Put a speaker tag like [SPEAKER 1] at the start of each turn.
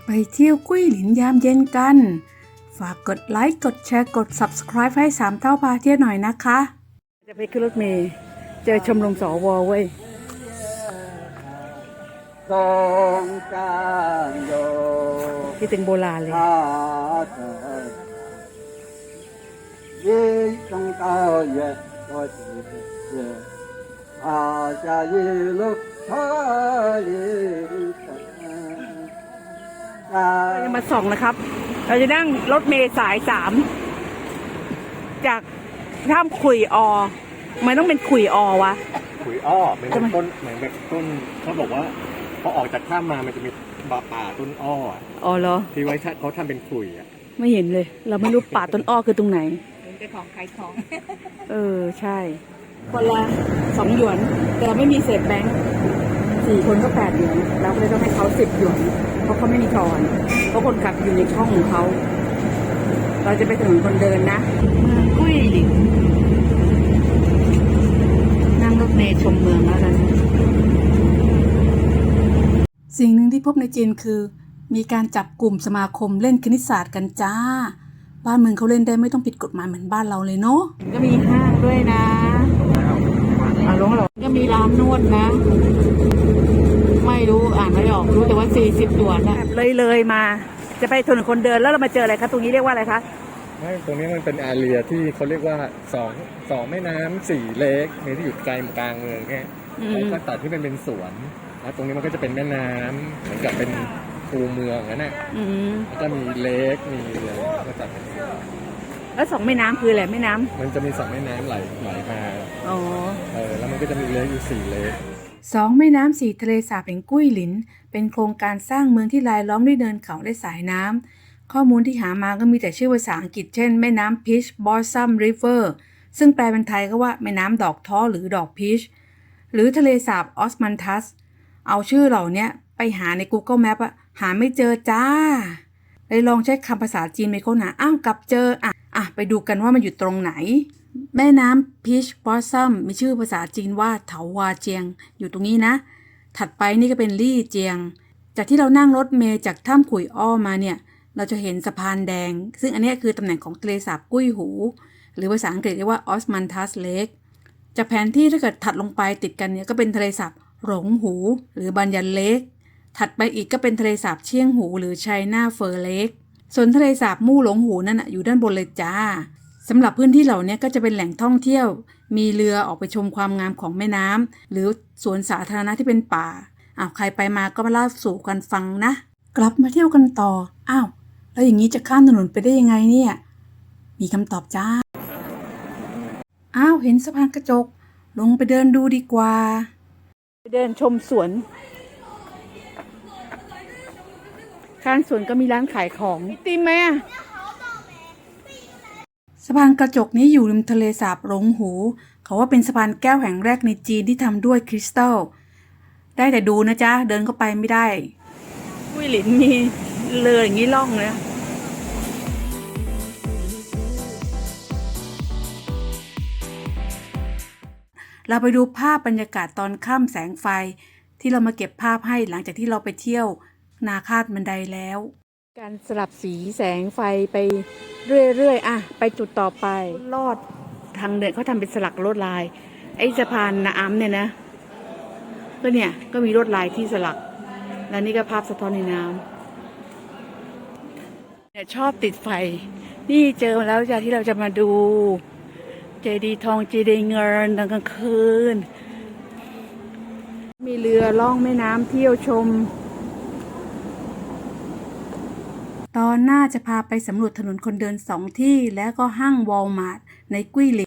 [SPEAKER 1] ไปเที่ยวกุ้ยหลินยามเย็นกัน ฝากกดไลค์ กดแชร์ กด Subscribe ให้สามเท่าพาเที่ยวหน่อยนะคะ จะไปขึ้นรถเมล์เจอชมรมสวเว้ยคิดถึงโบราณเลยเราจะมาส่องนะครับ เราจะนั่งรถเมล์สาย 3จากท่ามขุยอมันต้องเป็นขุยอวะ
[SPEAKER 2] ขุยอ้อเหมือนต้นเหมือนแบบต้นเขาบอกว่าพอออกจากถ้ำมามันจะมีป่าต้นอ้อ
[SPEAKER 1] อ๋อเหรอ
[SPEAKER 2] ที่ไว้เขาทำเป็นขุยอ่ะ
[SPEAKER 1] ไม่เห็นเลย เราไม่รู้ป่าต้นอ้อคือตรงไหน
[SPEAKER 3] เป็นของขายของ
[SPEAKER 1] ใช่คนละ2 หยวน แต่ไม่มีเศษแบงค์4 คนก็8 หยวนเราก็เลยต้องให้เขา10 หยวนเพราะเขาไม่มีทอนเพราะคนขับอยู่ในช่องของเขาเราจะไปถนนคนเดินนะกุ้ยหลินนั่งรถเมล์ชมเมืองแล้วกันสิ่งหนึ่งที่พบในจีนคือมีการจับกลุ่มสมาคมเล่นคณิตศาสตร์กันจ้าบ้านเมืองเขาเล่นได้ไม่ต้องผิดกฎหมายเหมือนบ้านเราเลยเนาะก็มีห้างด้วยนะลงหรอก็มีร้านนวดนะไม่รู้อ่านไม่ออกรู้แต่ว่า40 หยวนนะเลยมาจะไปถนนคนเดินแล้วเรามาเจออะไรคะตรงนี้เรียกว่าอะไรคะ
[SPEAKER 2] ไม่ตรงนี้มันเป็นแอเรียที่เขาเรียกว่าสองแม่น้ำ4 เลคเนี่ยที่อยู่ใจกลางเมืองเนี่ยเขาก็ตัดที่เป็นสวนแล้วตรงนี้มันก็จะเป็นแม่น้ำเหมือนกับเป็นคูเมืองนั่นแหละแล้วก็มีเลคมีอะไรก็ตัด
[SPEAKER 1] แล้ว2 แม่น้ำคืออะไรแม่น้ำ
[SPEAKER 2] มันจะมี2 แม่น้ำไหลมาแล้วมันก็จะมีเลคอยู่4 เลค
[SPEAKER 1] 2 แม่น้ำ4 ทะเลสาบแห่งกุ้ยหลินเป็นโครงการสร้างเมืองที่รายล้อมด้วยเนินเขาและสายน้ำข้อมูลที่หามาก็มีแต่ชื่อภาษาอังกฤษเช่นแม่น้ำ Peach Blossom River ซึ่งแปลเป็นไทยก็ว่าแม่น้ำดอกท้อหรือดอกพีชหรือทะเลสาบออสมันทัสเอาชื่อเหล่านี้ไปหาใน Google Map หาไม่เจอจ้าเลยลองใช้คำภาษาจีนไปค้นหากลับเจอไปดูกันว่ามันอยู่ตรงไหนแม่น้ำ Peach Blossom มีชื่อภาษาจีนว่าเถาหวาเจียงอยู่ตรงนี้นะถัดไปนี่ก็เป็นลี่เจียงจากที่เรานั่งรถเมล์จากถ้ำขุยอ้อมาเนี่ยเราจะเห็นสะพานแดงซึ่งอันนี้คือตำแหน่งของทะเลสาบกุ้ยหูหรือภาษาอังกฤษเรียกว่า Osmanthus Lake จากแผนที่ถ้าเกิดถัดลงไปติดกันเนี่ยก็เป็นทะเลสาบหลงหูหรือบันยันเลคถัดไปอีกก็เป็นทะเลสาบเชียงหูหรือไชน่าเฟอร์เลคส่วนทะเลสาบมู่หลงหูนั่นอยู่ด้านบนเลยจ้าสำหรับพื้นที่เหล่านี้ก็จะเป็นแหล่งท่องเที่ยวมีเรือออกไปชมความงามของแม่น้ำหรือสวนสาธารณะที่เป็นป่าใครไปมาก็มาเล่าสู่กันฟังนะกลับมาเที่ยวกันต่อแล้วอย่างนี้จะข้ามถนนไปได้ยังไงเนี่ยมีคำตอบจ้าเห็นสะพานกระจกลงไปเดินดูดีกว่าไปเดินชมสวนข้างสวนก็มีร้านขายของตีมไหมสะพานกระจกนี้อยู่ริมทะเลสาบหลงหูเขาว่าเป็นสะพานแก้วแห่งแรกในจีนที่ทำด้วยคริสตัลได้แต่ดูนะจ๊ะเดินเข้าไปไม่ได้กุ้ยหลินมีเรืออย่างนี้ล่องเลยเราไปดูภาพบรรยากาศตอนค่ำแสงไฟที่เรามาเก็บภาพให้หลังจากที่เราไปเที่ยวนาคาดบันไดแล้วการสลับสีแสงไฟไปเรื่อยๆไปจุดต่อไปลอดทางเดินเขาทำเป็นสลักลวดลายไอ้สะพานน้ำเนี่ยนะก็เนี่ยก็มีลวดลายที่สลักแล้วนี่ก็ภาพสะท้อนในน้ำเนี่ยชอบติดไฟนี่เจอมาแล้วจ้ะที่เราจะมาดูเจดีย์ทองเจดีย์เงินตอนกลางคืนมีเรือล่องแม่น้ำเที่ยวชมตอนหน้าจะพาไปสำรวจถนนคนเดิน2 ที่แล้วก็ห้างวอลมาร์ทในกุ้ยหลิน